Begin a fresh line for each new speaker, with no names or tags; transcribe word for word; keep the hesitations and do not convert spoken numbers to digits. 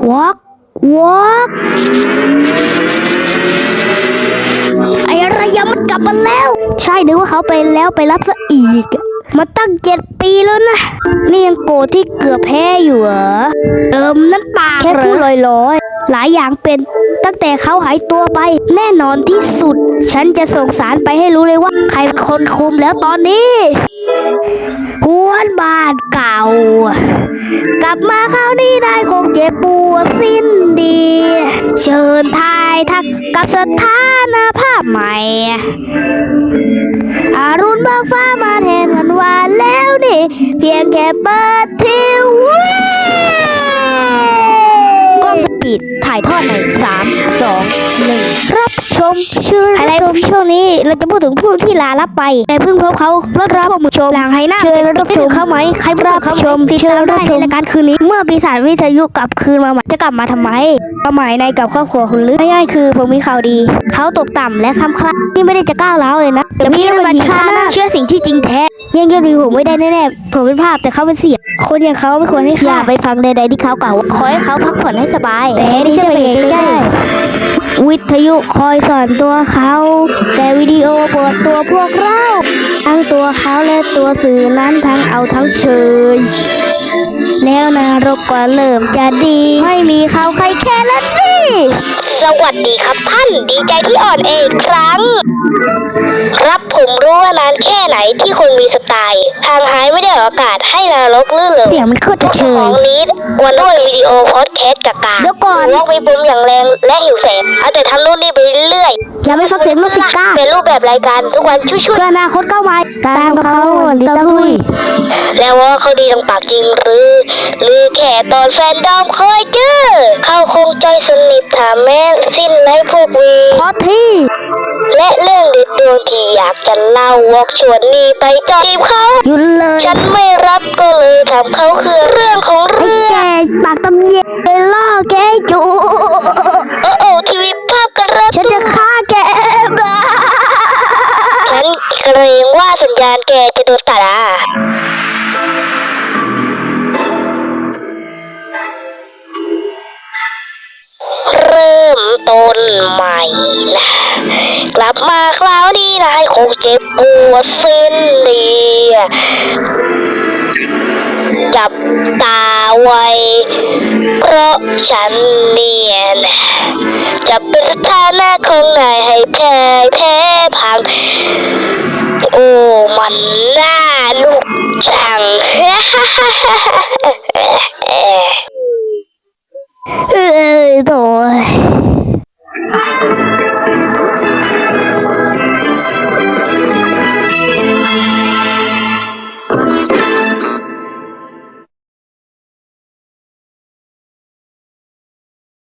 วอกวอกไอ้ระยะมันกลับมาแล้วใช่นึกว่าเขาไปแล้วไปรับซะอีกมาตั้งเจ็ดปีแล้วนะนี่ยังโกรธที่เกือบแพ้อยู่เหรอเติมนั่นปากแค่พูดลอยๆหลายอย่างเป็นตั้งแต่เขาหายตัวไปแน่นอนที่สุดฉันจะส่งสารไปให้รู้เลยว่าใครเป็นคนคุมแล้วตอนนี้หวนบ้านเก่ากลับมาคราวนี้ได้คงเจ็บปวดสิ้นดีเชิญทายทักกับสถานภาพใหม่อารุณเบิกฟ้ามาแทนวันวานแล้วนี่เพียงแค่เปิดทีวีกล้องสปีดถ่ายทอดในสามสองหนึ่งรับชมชื่ออะไรช่วงนี้เราจะพูดถึงผู้ที่ลาลับไปแต่เพิ่งพบเขารถรับผู้ชมหลังไฮหน้าเชิญรับชมเข้าไหมใครรับชมติดตามได้ในรายการคืนนี้เมื่อปีศาจวิทยุกลับคืนมาใหม่จะกลับมาทำไมเอาหมายในกับครอบครัวคุณลึกง่ายๆคือผมมีข่าวดีเขาตกต่ำและคำคลาที่ไม่ได้จะก้าวร้าวเลยนะแต่พี่ไม่มาฆ่าเชื่อสิ่งที่จริงแท้ยังยอดวิวผมไม่ได้แน่ๆผมเป็นภาพแต่เขาเป็นเสียงคนอย่างเขาไม่ควรให้อย่าไปฟังใดๆที่เขากล่าวขอให้เขาพักผ่อนให้สบายแต่ไม่ใช่ไปใกล้ๆวิทยุคอยสอนตัวเขาแต่วิดีโอเปิดตัวพวกเราทั้งตัวเขาและตัวสื่อนั้นทั้งเอาทั้งเชยแล้วนรกก็เริ่มจะดีไม่มีเขาใครแค่ละนี่สวัสดีครับท่านดีใจที่อ่อนเองครั้งครับผมรู้ว่านานแค่ไหนที่คนมีสไตล์ทางหายไม่ได้ออกอากาศให้นรกลื่นเลยเสียงมันโคตรเชยของนี้วันด้วยวิดีโอพอดแคสต์กากาเดี๋ยวก่อนวอกมีปุ่มอย่างแรงและหิวแสงเอาแต่ทำนู่นนี่ไปเรื่อยอย่าไม่ฟังเสียงมิวสิกก้าเป็นรูปแบบรายการทุกวันช่วยๆเพื่ออนาคตก้าวไวตามกับเขาดีต้องทุยแล้วว่าเขาดีทางปากจริงหรือหรือแค่ตอนแฟนดอมเคยเจอเขาคงใจสนิทถามแม่สิ้นในพวกวีพอที่และเรื่องเด็ดดวงที่อยากจะเล่าวอกชวนนี่ไปจอทีมเขาหยุดเลยฉันไม่รับก็เลยทำเขาคือเรื่องของเรื่องไอ้แกปากตำเย็นไปล่อแกจูโอ้โอ้ทีวีภาพกระตุ้นฉันจะฆ่าแกฉันเกรงว่าสัญญาณแกจะโดนตัดอ่ะเริ่มต้นใหม่นะกลับมาคราวนี้นายคงเจ็บปวดสิ้นดีจับตาไว้เพราะฉันเนียนจะเป็นสถานะของนายให้แพ้แพ้พังโอ้มันน่าลุกจังเอ้ยโถ่